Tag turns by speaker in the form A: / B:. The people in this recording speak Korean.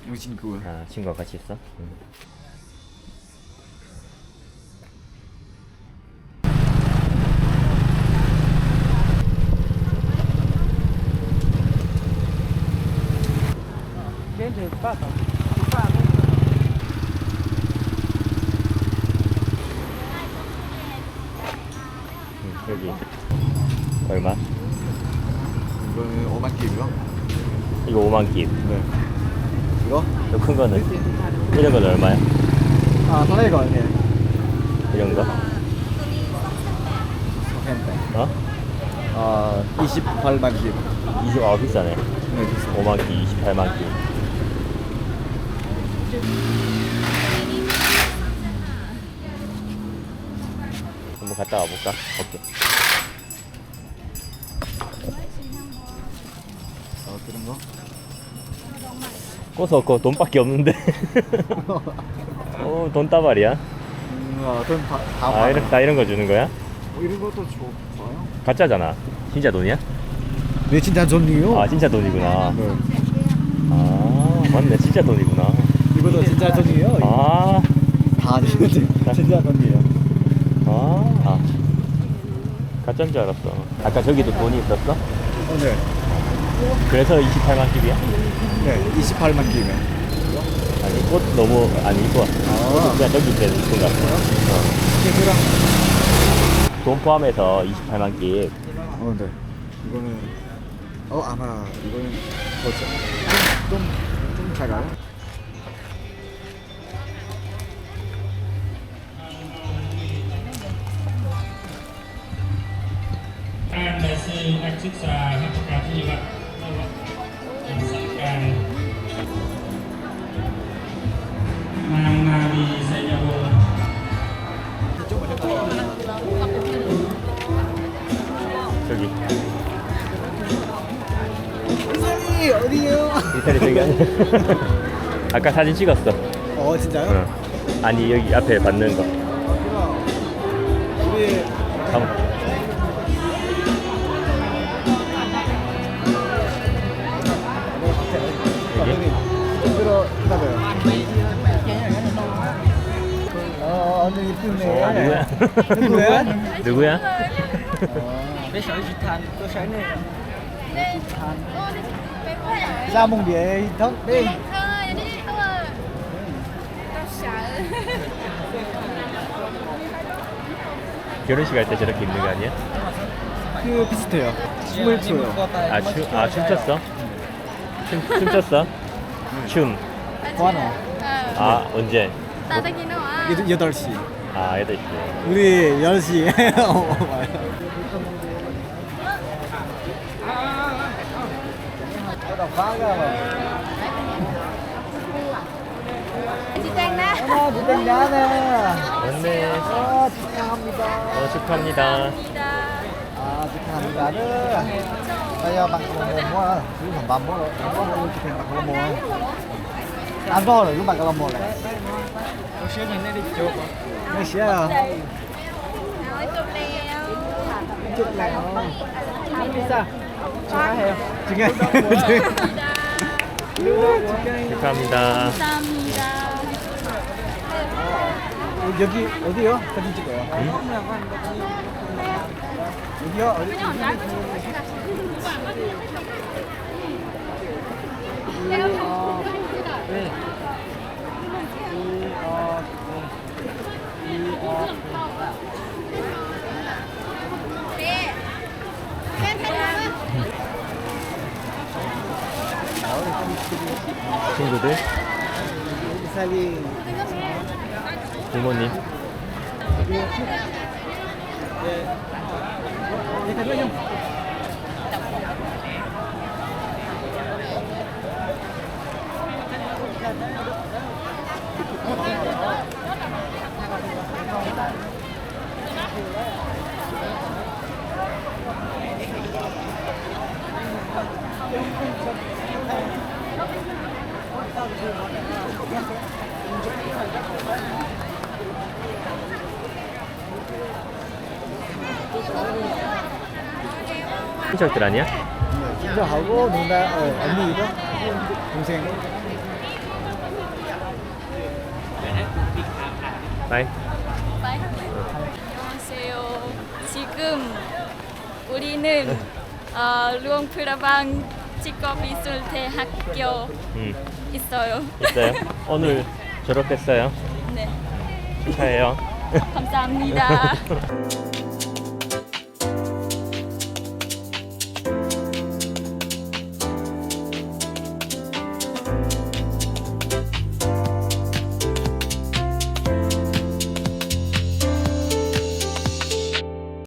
A: 우리 친구.
B: 아, 친구가 같이 있어? 여기 얼마?
A: 이거는 5만 깁이요?
B: 이거 5만 깁.
A: 네. 이거?
B: 더 큰 거는? 이런 건 얼마야?
A: 아, 다른 거 아니에요?
B: 이런 거? 어?
A: 아, 28만 깁.
B: 20, 비싸네.
A: 네, 비싸.
B: 5만 깁, 28만 깁. 한번 갔다 와볼까? 오케이.
A: 그런 거?
B: 꼬서 그 돈밖에 없는데. 돈다발이야?
A: 돈
B: 다 이런 거 주는 거야?
A: 이런 것도 좋아요?
B: 가짜잖아. 진짜 돈이야?
A: 네, 진짜 돈이요?
B: 아, 진짜 돈이구나.
A: 네.
B: 아, 맞네. 진짜 돈이구나.
A: 이것도 진짜 돈이에요?
B: 아,
A: 다 진짜 돈이에요.
B: 아. 가짜인 줄 알았어. 아까 저기도 돈이 있었어?
A: 네.
B: 그래서 28만 깁이야?
A: 네, 28만 깁이요.
B: 아니, 꽃 너무, 아니, 이거. 그냥 저기 있는 돈 같아.
A: 이거랑
B: 돈 포함해서 28만 깁.
A: 네. 이거는 아마 이거는 좀 작아요.
C: An đại sư Ách Sức Xà Hấp Cả Thị Vật Hình Sắc Càng Mang Na Đi Xây Nhà Bồ
B: 저기.
A: 이산이 어디요?
B: 이탈리 저기 아니야? 아까 사진 찍었어.
A: 진짜요?
B: 응. 아니, 여기 앞에 받는 거.
A: 우리
B: 잠
A: 여기 들어 기다려요. 언니 이쁘네. 누구야?
B: 누구야?
A: ra mông địa thấp đi.
B: 결혼식 할 때 저렇게 입는 거 아니야?
A: 그 비슷해요. 춤을 춰요.
B: 춤췄어? 춤췄어? 춤.
A: 좋아요.
B: 언제?
A: 8시.
B: 8시.
A: 우리 10시.
B: 맞네.
A: 축하합니다.
B: 축하합니다.
A: 축하합니다. Đây bạn có mua thứ phẩm bầm mua rồi, có chụp hình bạn có mua. Ăn to rồi, lúc bạn có mua này. Có share mình đi chụp. Có share à? Chụp nào. Pizza. 축하해요.
B: 축하합니다.
A: 여기 어디요? 사진 찍어요. 여기요?
B: 친구들?
A: 사진.
B: 부모님? 친척들 아니야?
A: 진짜 하고 누나 언니도 동생.
B: 바이.
D: 바이. 안녕하세요. 지금 우리는 루앙프라방 직업미술대학교 있어요.
B: 있어요? 오늘 졸업했어요?
D: 네.
B: 축하해요.
D: 감사합니다.